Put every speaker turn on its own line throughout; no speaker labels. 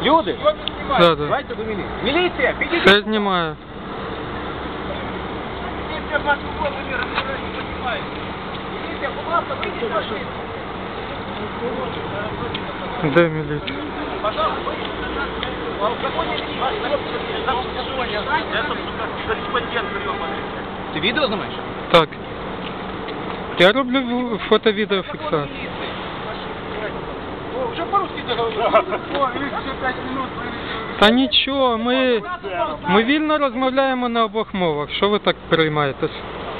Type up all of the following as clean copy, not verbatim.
Люди?
Да, да.
Давайте до міліції. Міліція, підійдіть.
Це знімаю.
Міліція в нашу голову не розбирає. Міліція, будь ласка, вийдіть з машини.
Де міліція?
Пожалуйста, выйдите. Ты видео снимаешь?
Так. Я роблю фото-відеофіксацію.
Уже по-русски договорились. Еще 5 минут.
Та нічого, ми вільно розмовляємо на обох мовах. Що ви так переймаєтесь?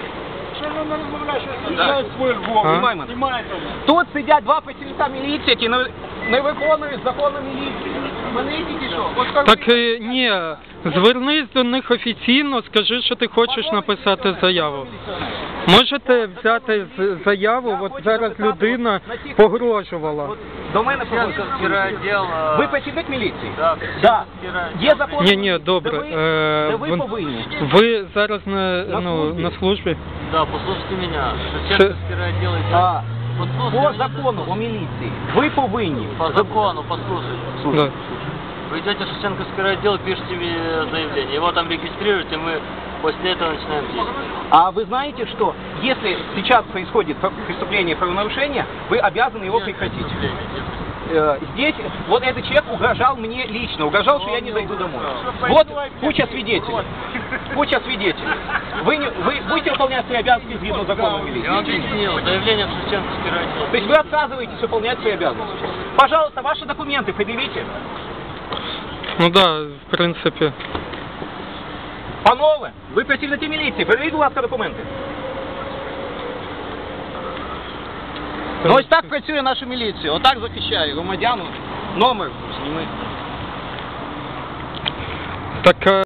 Тут сидять два працівника міліції, які не виконують закону міліції. Вони тільки що.
Так ні, звернись до них офіційно, скажи, що ти хочеш написати заяву. Можете взяти заяву, от зараз людина погрожувала.
До мене погрожувала. Ви працівник міліції? Так. Є закон?
Ні, добре.
Де ви повинні?
Ви зараз на службі?
Да, послушайте меня. Шевченковский райотдел
По закону о милиции вы повинні.
По закону, послушайте.
Да.
Вы идете в Шевченковский райотдел, пишите заявление. Его там регистрируете, мы после этого начинаем действовать.
А вы знаете, что если сейчас происходит преступление, правонарушение, вы обязаны его прекратить? Здесь вот этот человек угрожал мне лично, угрожал, что я не зайду домой. Вот куча свидетелей. Куча свидетелей. Вы будете выполнять свои обязанности згідно закону милиции?
Я вам объяснил, заявление в Шевченковский райотдел.
То есть вы отказываетесь выполнять свои обязанности? Пожалуйста, ваши документы предъявите.
Ну да, в принципі.
Панове, ви працівники міліції, перевіріть, будь ласка, документи. Ну ось так працює наша міліція, отак захищає громадян, номер зніми.
Так